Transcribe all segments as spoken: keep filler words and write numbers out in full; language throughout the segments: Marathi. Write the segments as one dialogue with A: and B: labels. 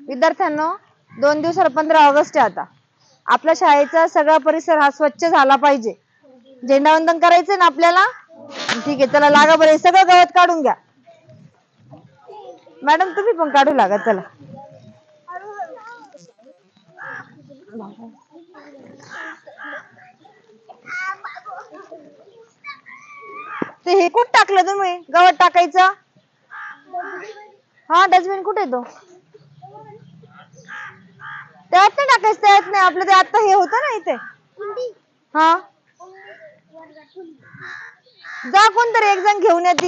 A: विद्यार्थ्यांनो, दोन दिवसावर पंधरा ऑगस्ट आहे. आता आपल्या शाळेचा सगळा परिसर हा स्वच्छ झाला पाहिजे. झेंडावंदन करायचंय ना आपल्याला? ठीक आहे, चला लागा बरं. सगळं गवत काढून घ्या. मॅडम तुम्ही पण काढू लागा. चला ते हे कुठं टाकलं तुम्ही? गवत टाकायचं. हा, डस्टबिन कुठे आहे तो? त्यात नाही टाकायचं. त्यात नाही. आपलं ते आता हे होतं ना इथे. हा, जा कोणतरी एक जण घेऊन येते.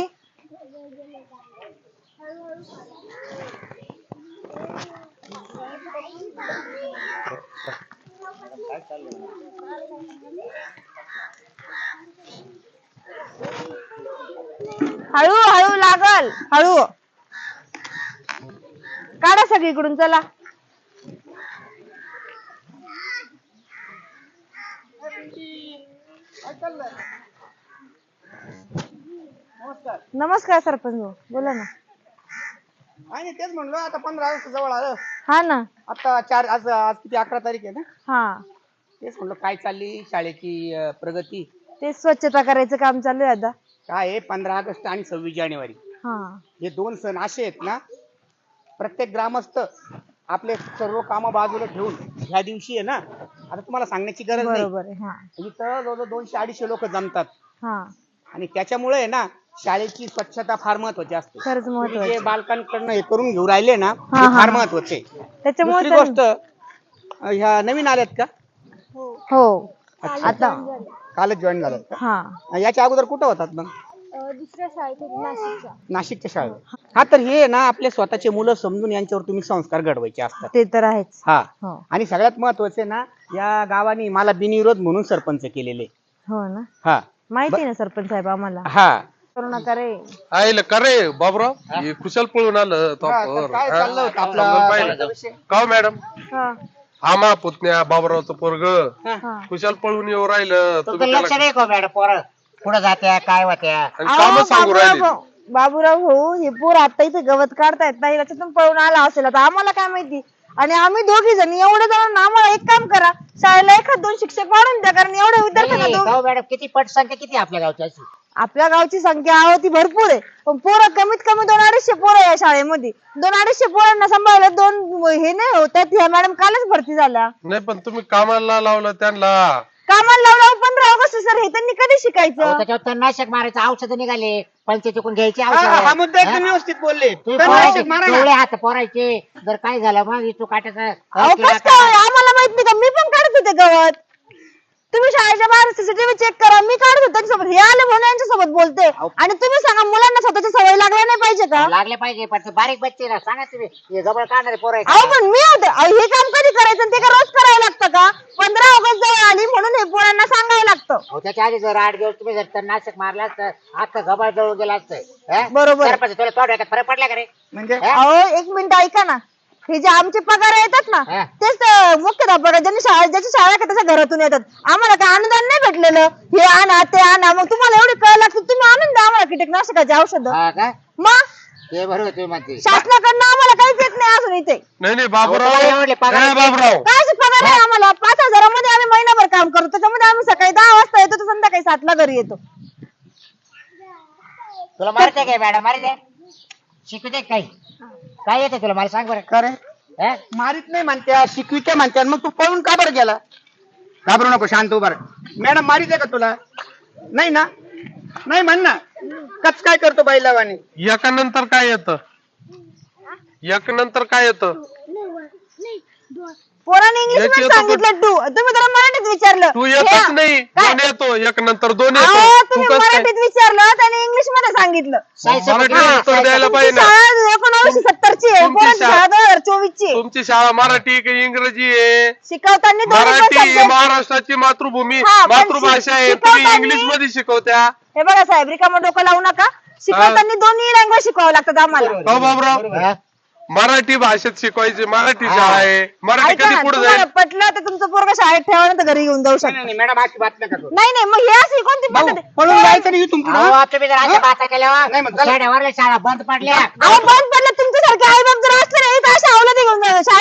A: हळू हळू लागल. हळू काढा सगळीकडून. चला
B: नमस्कार.
A: नमस्कार सरपंच भाऊ, बोला ना.
B: आणि तेच म्हणलो, आता पंधरा ऑगस्ट जवळ आलं.
A: हा ना.
B: आता चार आज आज किती अकरा तारीख आहे ना?
A: हा,
B: तेच म्हणलो काय चालली शाळेची अं, प्रगती.
A: ते स्वच्छता करायचं काम चालू आहे आता.
B: काय आहे, पंधरा ऑगस्ट आणि सव्वीस जानेवारी
A: हा,
B: हे दोन सण असे आहेत ना, प्रत्येक ग्रामस्थ आपले सर्व कामं बाजूला ठेवून ह्या दिवशी आहे ना, आता तुम्हाला सांगण्याची गरज नाही,
A: बरोबर आहे. हा
B: इथं जवळजवळ दोनशे अडीचशे लोक जमतात.
A: हा,
B: आणि त्याच्यामुळे आहे ना, शाळेची स्वच्छता फार महत्वाची असते.
A: खरंच
B: तुम्ही
A: महत्वाचं.
B: जे बालकांकडनं हे करून घेऊ राहिले ना,
A: हा,
B: ते
A: हा,
B: फार
A: हा.
B: महत्वाचे.
A: त्याच्यामुळे
B: दुसरी
A: तर-
B: गोष्ट, अं, ह्या नवीन आल्यात का?
A: हो, आता
B: कालच जॉईन झाल्यात का?
A: हा,
B: याच्या अगोदर कुठं होतात मग?
C: दुसऱ्या शाळेत होती, नाशिकच्या.
B: नाशिकच्या शाळेत. हा, तर हे ना आपले स्वतःचे मुलं समजून यांच्यावर तुम्ही संस्कार घडवायचे असतात.
A: ते तर आहेच.
B: हा,
A: हो
B: आणि सगळ्यात महत्वाचे ना, या गावाने मला बिनविरोध म्हणून सरपंच केलेले.
A: हो ना,
B: हा
A: माहिती ना सरपंच साहेब आम्हाला.
B: हा
A: करू नका रे.
D: आईला का रे बाबराव, हे कुशल पळून आलं
B: हा,
D: तोपावर.
B: तर काय
D: हा?
B: चाललं होतं
D: समजून
B: आपला
D: पाहिलं.
B: विषय?
D: का हो मॅडम?
A: हा,
D: आम्हा पुतण्या बाबरावचं पोरग
A: हा.
D: कुशल पळून येऊ राहिलं.
E: तुमचं
D: तुम्ही
E: लक्ष
D: त्याला
E: नाही का मॅडम? पोरं कुठं जात्या, काय होत्या?
D: आणि
A: अहो,
D: काम सांगू
A: बाबूराव
D: राहिले.
A: भाऊ- बाबूराव भाऊ, हे पोर आता इथे गवत काढतायत नाही, त्याच्यातून पळून आला असेल. आता आम्हाला काय माहिती. आणि आम्ही दोघी जण एवढे जण, आम्हाला एक काम करा, शाळेला एखाद दोन शिक्षक वाढून द्या, कारण एवढ्या विद्यार्थ्यांना
E: नाही,
A: दोन-
E: हो मॅडम, किती पटसंख्या किती आपल्या गावची अशी?
A: आपल्या गावची संख्या आहे ती भरपूर आहे, पण पोरं कमीत कमी दोन अडीचशे पोरं आहे या शाळेमध्ये. दोन अडीचशे पोरांना सांभाळलं दोन हे नाही होत. त्यात ह्या मॅडम कालच भरती झाल्या.
D: नाही पण तुम्ही कामाला लावलं त्यांना.
A: कामाला लावलं पंधरा ऑगस्ट सर, हे त्यांनी कधी
E: अहो,
A: शिकायचं?
E: त्याच्यावर तणनाशक मारायचं औषध निघाले, पंचायतीकडून घ्यायची
B: हा, हा
E: औषध.
B: मुद्दा एकदम व्यवस्थित बोलले.
E: तुम्ही
B: तर
E: पोरायचे,
B: नाशिक मारा ना.
E: डोळे हात पोरायचे. जर काय झालं मग तू काट्याचा
A: अहो कसं काय? आम्हाला माहित नाही का? मी पण काढत होते गवत. तुम्ही शाळेच्या बाहेर सीसीटीव्ही चेक करा. मी काढत होते त्यांच्यासोबत. हे आले म्हणून यांच्यासोबत बोलते. आणि तुम्ही सांगा, मुलांना स्वतःची सवय लागल्या नाही पाहिजे का?
E: लागले पाहिजे, पण ते बारीक बच्चे ना, सांगा तुम्ही हे जवळ काढणारे
A: अहो
E: पोरायचे.
A: पण मी होते. अहो, हे काम कधी करायचं आणि ते का रोज करायला लागतं का? पंधरा ऑगस्ट जवळ आली म्हणून हे पोरांना सांगायला लागतं.
E: हो, त्याच्या आधी जर आठ दिवस तुम्ही जर तणनाशक मारला असतं, आता गबाळ जवळ गेला असतं.
A: बरोबर.
E: सरपंच, तुला थोड्या फरक पडला का रे?
B: म्हणजे
A: अहो एक मिनिट ऐका ना. हे जे आमचे पगार येतात ना,
E: हा.
A: तेच तर मुख्याध्यापक ज्यांनी शाळा ज्याची शाळा आहे का त्याच्या घरातून येतात. आम्हाला काय अनुदान नाही भेटलेलं. हे आणा ते आणा. मग तुम्हाला एवढी कळ लागते, तुम्ही आणून द्या आम्हाला कीटकनाशकाची औषध.
E: हा का?
A: मग
E: ते बरोबर तुम्ही म्हणते.
A: शासनाकडनं आम्हाला काहीच येत नाही अजून इथे.
D: नाही नाही बाबराव,
E: तुम्हाला एवढे पगार
D: ए, बाबराव
A: काय असे पगार आहे आम्हाला? पाच हजारामध्ये आम्ही महिनाभर काम करतो. त्याच्यामध्ये आम्ही सकाळी दहा वाजता येतो तर संध्याकाळी सातला घरी येतो.
E: तुला मारते काय मॅडम? मारते शिकवते काही? काय येते तुला मला सांग बरं.
B: करे
E: हा?
B: मारित नाही म्हणत्या, शिकविते म्हणत्या, मग तू पळून का बरं गेला? घाबरू नको, शांत उभा राहा. मॅडम मारित आहे का तुला? नाही ना? नाही म्हण ना. कच काय करतो बैलावाने?
D: एका नंतर काय येतं? एक नंतर काय येतं?
A: पोराने इंग्लिश
D: एक
A: मध्ये
D: येतो
A: सांगितलं टू, तुम्ही जरा मराठीत विचारलं.
D: तू
A: हे-
D: येतच नाही.
A: काय?
D: दोन येतो, एक नंतर दोन
A: अहो,
D: येतो. तू
A: तुम्ही
D: कसं काय?
A: मराठीत विचारलं त्याने इंग्लिश मध्ये सांगितलं.
E: साई
D: मराठी
E: समुद्र-
D: उत्तर
E: साई
D: द्यायला
E: समुद्र-
D: पाहिजे
A: तुमची
D: ना.
A: शाळा एकोणीसशे सत्तरची आहे,
D: तुमची
A: पोरांची
D: शाळा-
A: शाळा दोन हजार चोवीस ची आहे.
D: तुमची शाळा मराठी की इंग्रजी आहे?
A: शिकवताना दोन्ही पण
D: मराठी ही
A: subject-
D: महाराष्ट्राची मातृभूमी,
A: हा, पण
D: मातृभाषा आहे.
A: शिक-
D: तुम्ही
A: शिकवताना-
D: इंग्लिश मध्ये शिकवत्या.
A: हे बघा साहेब, रिकामं डोकं लावू नका. शिकवताना दोन्ही लँग्वेज शिकवावं लागतात आम्हाला.
D: हो बाबराव,
E: हा?
D: मराठी भाषेत शिकवायची. मराठी शाळा आहे. मराठी
A: ऐका
D: कधी
A: ना,
D: पुढे
A: तुम्हाला
D: जाईल?
A: पटलं तर तुमचं पोरग शाळेत ठेवा ना, तर घरी घेऊन जाऊ
B: नाही,
A: शकता.
B: नाही, मॅडम अशी बात नका करू.
A: नाही नाही, मग हे अशी कोणती
B: भाऊ,
A: पद्धत आहे?
B: पळून जायचं नाही इथून पुढं.
E: अहो, तुम्ही जर अशा बाता केल्या
B: नाही, मग चला.
E: शाळेवरल्या शाळा बंद पडल्या.
A: अहो बंद पडलं तुमच्यासारखे आई बाप जर असले नाही तर अशा अवलादी घेऊन जा-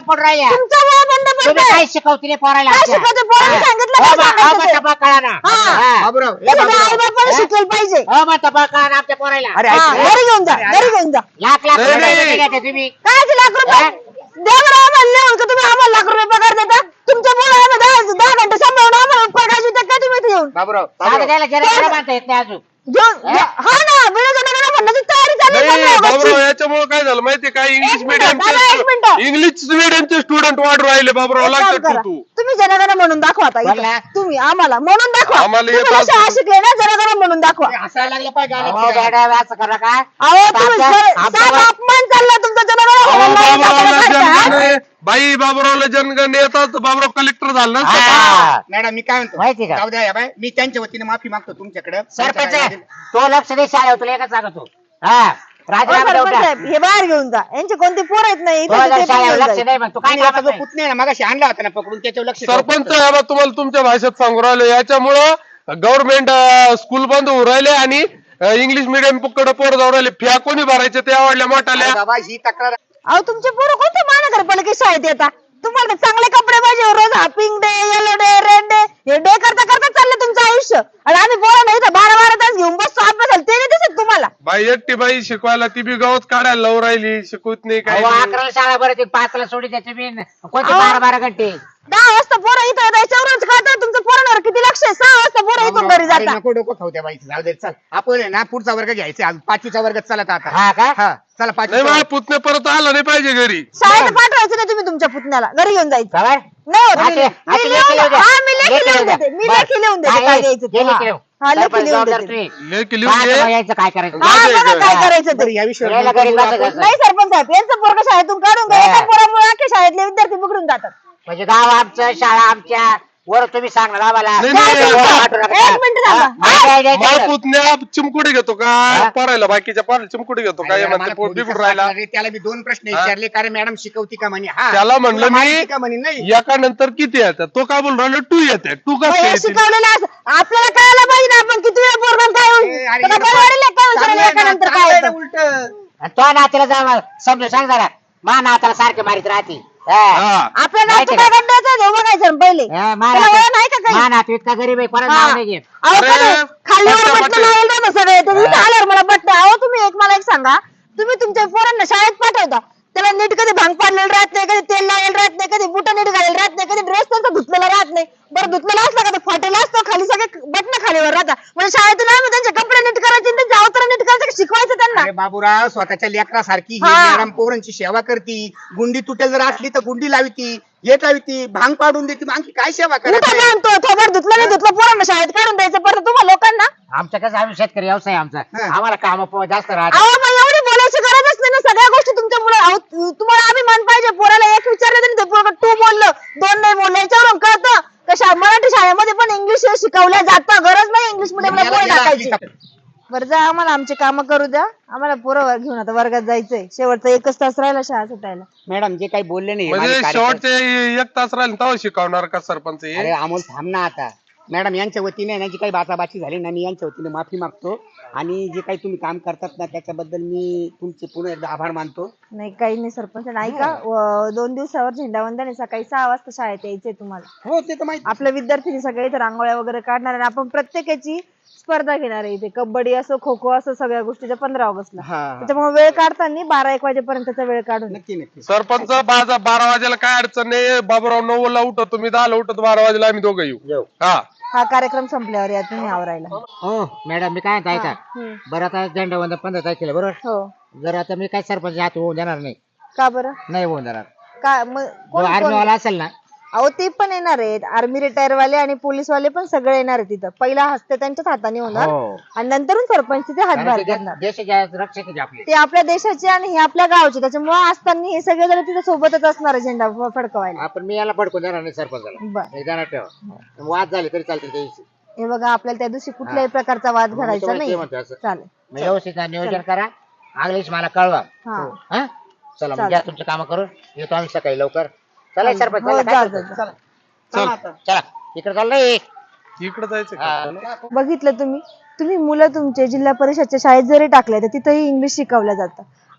E: पडून राहिल्या
A: तुमच्यामुळे बंद
E: तुम्ही
A: पडतंय.
E: काय शिकवतील पोरायला
A: काय
E: आमच्या?
A: शिकवते? पोरांनी
E: हा.
A: सांगितलं
E: हो
A: काय
E: बा- हो
A: सांगायचं
E: बा,
A: ते?
E: टपा कळा ना.
A: हा.
E: हा.
B: बाबूराव ए
A: तसं
B: बाबूराव.
A: आई बापाने शिकलं पाहिजे.
E: हो बा, टपा कळा ना आमच्या पोरायला.
B: अरे
A: हा,
B: ऐक रे.
A: घरी घेऊन जा घरी घेऊन जा.
E: लाख लाख
D: नाही,
E: रुपये
D: नाही.
E: घेता तुम्ही.
A: काय ते लाख रुपये द्या बरं आम्हाला लिहून का तुम्ही आम्हाला लाख रुपये पगार देता. तुमच्या मुलं आम्ही दहा दहा घंटे सांभाळून आम्हाला पगार देता काय तुम्ही इथे येऊन
B: बाबूराव
E: आता
B: बाबूराव.
E: त्याला जरा बांधता येत नाही अजून.
A: घेऊन हा ना बिना जनाला म्हणण्याची तयारी चालू आहे
D: नाही
A: सगळ्या
D: बाबूराव
A: गोष्टी.
D: याच्यामुळे काय झालं माहितीये का इंग्लिश
A: एक मिनिटं, दादा, एक
D: मिडियमचे
A: मिनिटं.
D: इंग्लिश मिडियमचे स्टुडंट वाढू राहिले बाबूराव
A: एक काम
D: लागतात
A: करा.
D: तू
A: तुम्ही जनगण म्हणून दाखवा आता इथं.
E: बोला.
A: तुम्ही आम्हाला म्हणून दाखवा.
D: आम्हाला
A: तुम्ही
D: येतं
A: शाळा
D: असं.
A: शिकले ना जनगण म्हणून दाखवा.
B: ते हसायला लागलं पाहिजे
E: हो,
B: गाण्यात.
E: मॅडम, असं करू नका.
A: अहो तुम्ही
E: आमच्या-
A: सर-
E: आमच्या-
A: साधा अपमान चालला तुमचा जनगण
D: अहो, बाबूरावला जनगण
A: म्हणून.
D: आहे. बाई बाबूरावला जनगण येतात बाबूराव कलेक्टर झाला ना
E: हा.
B: मॅडम मी काय म्हणतो
E: माहिती का?
B: जाऊ द्या या बाय मी त्यांच्या वतीने माफी मागतो तुमच्याकडे
E: सरपंच तो लक्ष दे शाळेवर तुला एकच सांगतो. हा राजीनामा देऊन टाक.
A: साहेब हे बाहेर घेऊन जा. यांचे कोणते पोर आहेत नाही
E: तो
A: इथे
E: जर
A: ते पण
E: शाळेवर
A: घेऊन
E: लक्ष
A: जा.
E: नाही मग तू काय
B: आणि आता
E: कामात
B: जो
E: नाही.
B: पुतणे आहे ना मगाशी आणला होता ना पकडून त्याच्यावर लक्ष ठेवा.
D: सरपंच हे बा तुम्हाला तुमच्या भाषेत सांगू राहिलो याच्यामुळं गव्हर्नमेंट स्कूल बंद होऊ राहिले आणि इंग्लिश मिडियम कडे पोर जाऊ राहिले फ्या कोणी भरायचे ते आवडल्या
B: अरे
D: मोठाल्या
B: बाबा ही तक्रार
A: अहो तुमचे पोरं कोणत्या महानगरपालिकेत शाळेत येतात? तुम्हाला तर चांगले कपडे पाहिजे रोज हा pink day yellow day red day हे डे करता करता चाललं तुमचं आयुष्य. आणि आम्ही पोरं नाही तर बारा बारा तास घेऊन बसतो अभ्यासाला ते नाही दिसत तुम्हाला.
D: बाई एकटी बाई शिकवायला ती बी गवत काढायला लावून राहिली शिकवत नाही काही
E: अहो,
D: नाही.
E: अकराला शाळा बरं ते पाचला सोडी त्याचे मी कोणते
A: अहो.
E: बारा बारा घंटे.
A: दहा वाजता पोरं इथं येतात याच्यावरच कळतं तुमचं पोरांवर किती लक्ष आहे. सहा वाजता पोरं इथून घरी
B: अरे
A: जातात.
B: नको डोकं खाऊ द्या बाई जाऊ दे चल आपण आहे ना पुढचा वर्ग घ्यायचा आज पाचवीचा वर्ग चला आता
E: हा का?
B: हा चला
D: नाही
B: पाचवी
D: मला पुतणे परत आला नाही पाहिजे घरी
A: शाळेत पाठवायचं नाही तुम्ही तुमच्या पुतण्याला घरी घेऊन जायचं.
E: खबर?
A: नाही होत.
E: हाते-
A: मी-
E: हाते
A: मी
E: लेखी
A: लिहून-
E: लिहून द्या.
A: हा, मी लेखी
E: लेखी
A: लिहून
E: लिहून
A: देते. मी
E: द्या.
A: लेखी लिहून देते
E: काय-
A: काय द्यायचं ते.
E: हे लेखी
A: हा.
E: लिहून.
A: हा, लेखी
E: सरपंच
A: लिहून
E: जबाबदार
A: देते.
E: तुम्ही.
D: लेखी लिहून
E: काय
D: घे.
E: आता यायचं काय करायचं?
A: हा,
D: माझं
A: बघा
D: आहे
A: काय
D: का?
A: करायचं
B: बरं
A: ते.
B: या विषयावर
E: यायला घरी
B: बोलू
E: बसायचं.
B: आपण.
A: नाही सरपंच साहेब यांचं पोरग शाळेतून काढून घ्या.
E: हा.
A: एका पोरामुळे अख्खे शाळेतले विद्यार्थी बिघडून जातात.
E: म्हणजे गाव आमचं शाळा आमच्या वर तुम्ही सांगणार आम्हाला.
D: नाही, नाही,
E: वर
D: नाही.
E: वाटू नका.
A: एक मिनिट थांबा.
E: हा, नाही, नाही, नाही,
D: मला
E: नाही.
D: पुतण्या चिमकुडी घेतो का
E: हा?
D: परायला बाकीच्या पारायला चिमकुडी घेतो
B: अरे
D: काय
B: यार,
D: म्हणते
B: मला
D: पोट
B: पोलीस
D: बिघडून राहिला
B: रे, त्याला मी दोन प्रश्न
D: हा?
B: विचारले कारण मॅडम शिकवती का म्हणे हा
D: त्याला म्हणलं
B: तुला माहिती
D: मी
B: का म्हणे नाही
D: एका नंतर किती येतात तो काय बोल राहिला टू येते टू
A: मग
D: कसं
A: हे
D: येते?
A: शिकवलेलं असं आपल्याला कळायला पाहिजे ना आपण किती वेळ पोरगा काय होईल.
B: ए, अरे
A: त्याला
B: यार,
A: बरं वाटेल काय होईल
B: चांगलं
A: त्याला
B: आहे
A: एका
B: ना,
A: नंतर
B: चांगलं
A: काय
B: आहे ना
A: होतं.
B: उलटं.
E: आणि तो नातीला जा समजून सांग जरा मा नाताला सारखे मारित राहते. हा.
D: हा.
A: आपल्या
E: माहिती
A: नातू
E: का?
A: काय गड्ड्याचं आहे, हे बघायचं ना पहिले.
E: हा, मा
A: त्याला
E: नातू-
A: वळण आहे का काही?
E: मा नातू इतका गरीब आहे कोणाचं
A: हा.
E: नाव नाही घेत.
A: अहो,
D: अरे,
A: कधी खाल्ल्यावर
D: बट्ट्या,
A: बटणं
D: बट्ट्या.
A: लावलं जातं सगळे ते इथं
E: हा.
A: आल्यावर मला बटणं अहो तुम्ही एक मला एक सांगा तुम्ही तुमच्या पोरांना शाळेत पाठवता त्याला नीट कधी भांग पाडलेलं राहत नाही कधी तेल लावलेलं राहत नाही कधी बुट नीट घालेलं राहत नाही कधी ड्रेस त्यांचा धुतलेला राहत नाही बरं धुतलेला असला का तो फाटेला असतो खाली सगळे बटणं खालीवर राहतात म्हणजे शाळेतून आम्ही त्यांचे कपडे नीट करायचे आणि त्यांचे अवतरण नीट करायचं शिकवायचं त्यांना.
B: अरे बाबूराव स्वतःच्या लेकरासारखी ही
A: हा.
B: मॅडम पोरांची सेवा करती गुंडी तुटेल जर असली तर गुंडी लाविती येत लाविती भांग पाडून देते मग आणखी काय सेवा
A: उठा
B: करायची
A: आणतो थोबड धुतलं नाही धुतलं पोरांना शाळेत काढून द्यायचं परत तुम्हाला लोकांना.
E: आमच्या कसं आम्ही शेतकरी व्यवसाय आमचा
B: हा.
E: आम्हाला काम जास्त राहत.
A: अहो मग एवढी बोलायची गरजच नाही ना सगळ्या गोष्टी तुमच्यामुळे अहो, तुम्हाला अभिमान पाहिजे पोराला एक विचारलं तरी ते पोरगं टू बोललं दोन नाही बोललं याच्यावरून कळतं कशा मराठी शाळेमध्ये पण इंग्लिश शिकवलं जातं गरज नाही इंग्लिश मिडियमला पोरं टाकायची. बरं जा आम्हाला आमचे काम करू द्या आम्हाला पोरं घेऊन आता वर्गात जायचंय शेवटचा एकच तास राहिला शाळा सुटायला.
B: मॅडम जे काही बोलले नाही
D: म्हणजे
B: माझे कार्यकर्ते-
D: शेवटचे एक तास राहिले तेव्हा शिकवणार का सरपंच हे?
B: अरे अमोल थांब ना आता मॅडम यांच्या वतीने ना जी काही बाचाबाची झाली ना मी यांच्या वतीने माफी मागतो आणि जे काही तुम्ही काम करतात ना त्याच्याबद्दल मी तुमचे पुन्हा एकदा आभार मानतो.
A: नाही काही नाही सरपंच नाही का व- दोन दिवसावर झेंडावंदन आहे सकाळी सहा वाजता शाळेत यायचंय तुम्हाला.
B: हो ते तर माहिती
A: आपल्या विद्यार्थी सगळे इथे रांगोळ्या वगैरे काढणार आणि आपण प्रत्येकाची स्पर्धा घेणार आहे इथे कबड्डी असो खो खो असो सगळ्या गोष्टीच्या पंधरा ऑगस्टला.
B: हा
A: त्याच्यामुळे वेळ काढताना बारा एक वाजेपर्यंतचा वेळ काढून या.
B: नक्की नक्की
D: सरपंच बाजा बारा वाजेला काय अडचण नाही बाबूराव नऊ ला उठतो तुम्ही दहाला उठतो बारा वाजेला आम्ही दोघं येऊ
E: येऊ.
D: हा
A: हा कार्यक्रम संपल्यावर या तुम्ही आवरायला.
E: हो मॅडम मी काय म्हणतो ऐका
A: हम्म.
E: बरं आता झेंडा वंदन पंधरा तारखेला बरोबर
A: हो
E: जर आता मी काय सरपंच हात होऊन देणार नाही
A: का बरं
E: नाही होऊन देणार
A: का मग
E: जो
A: कोण
E: आर्मी
A: कोण
E: वाला असेल ना
A: अहो ते पण येणार आहेत आर्मी रिटायर वाले आणि पोलीस वाले पण सगळे येणार आहेत तिथं पहिला हस्ते त्यांच्याच हाताने होणार
E: हो
A: आणि नंतरून सरपंच तिथे हातभार
E: कारण ते
A: करणार.
E: देशाच्या रक्षक आहे आपले.
A: ते आपल्या देशाचे आणि हे आपल्या गावचे त्याच्यामुळे असताना हे सगळे जण तिथे सोबतच असणार आहे झेंडा फ- फडकवायला.
E: आपण मी याला पडकून देणार नाही सरपंचाला
A: बर
E: एक देणार ठेवा वाद झाले तरी चालतील त्या दिवशी
A: हे बघा आपल्याला त्या दिवशी कुठल्याही प्रकारचा वाद
E: मग मी
A: घडायचा
E: तुम्हाला ते
A: नाही.
E: म्हणतो असं.
A: चालेल
E: मग व्यवस्थित नियोजन करा आगलीच मला कळवा
A: हा
E: हा चला मग
A: चालेल.
E: घ्या तुमचं काम करून येतो आम्ही सकाळी लवकर चला सरपंच
A: हो,
E: चला,
A: जा,
E: काय
A: जा,
E: करतो?
A: जा.
B: चला
D: चल.
B: चला आता.
E: चला इकडे चाललंय
D: इकडे जायचं का
E: हा.
D: आपल्याला?
A: बघितलं तुम्ही तुम्ही मुलं तुमचे जिल्हा परिषदच्या शाळेत जरी टाकले तर तिथेही इंग्लिश शिकवलं जातं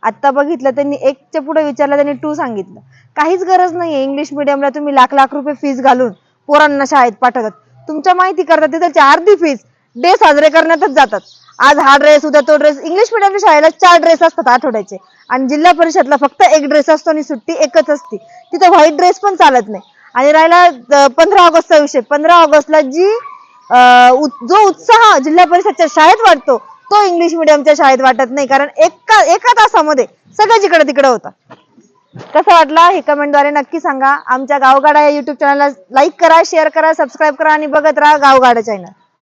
A: आता बघितलं त्यांनी एकच्या पुढे विचारलं त्यांनी टू सांगितलं. काहीच गरज नाहीये इंग्लिश मिडियमला तुम्ही लाख लाख रुपये फीस घालून पोरांना शाळेत पाठवतात. तुमच्या माहिती करतात तिथलची अर्धी फीस डे साजरे करण्यातच जातात. आज हा ड्रेस उद्या तो ड्रेस. इंग्लिश मिडियमच्या शाळेला चार ड्रेस असतात आठवड्याचे आणि जिल्हा परिषदला फक्त एक ड्रेस असतो आणि सुट्टी एकच असते. तिथे व्हाईट ड्रेस पण चालत नाही. आणि राहिला पंधरा ऑगस्टचा विषय, पंधरा ऑगस्टला जी जो उत्साह जिल्हा परिषदच्या शाळेत वाटतो तो इंग्लिश मिडियमच्या शाळेत वाटत नाही, कारण एका एका तासामध्ये सगळं जिकडे तिकडे होतं. कसं वाटलं हे कमेंटद्वारे नक्की सांगा. आमच्या गावगाडा या युट्यूब चॅनलला लाईक करा, शेअर करा, सबस्क्राईब करा आणि बघत राहा गावगाडा चॅनल.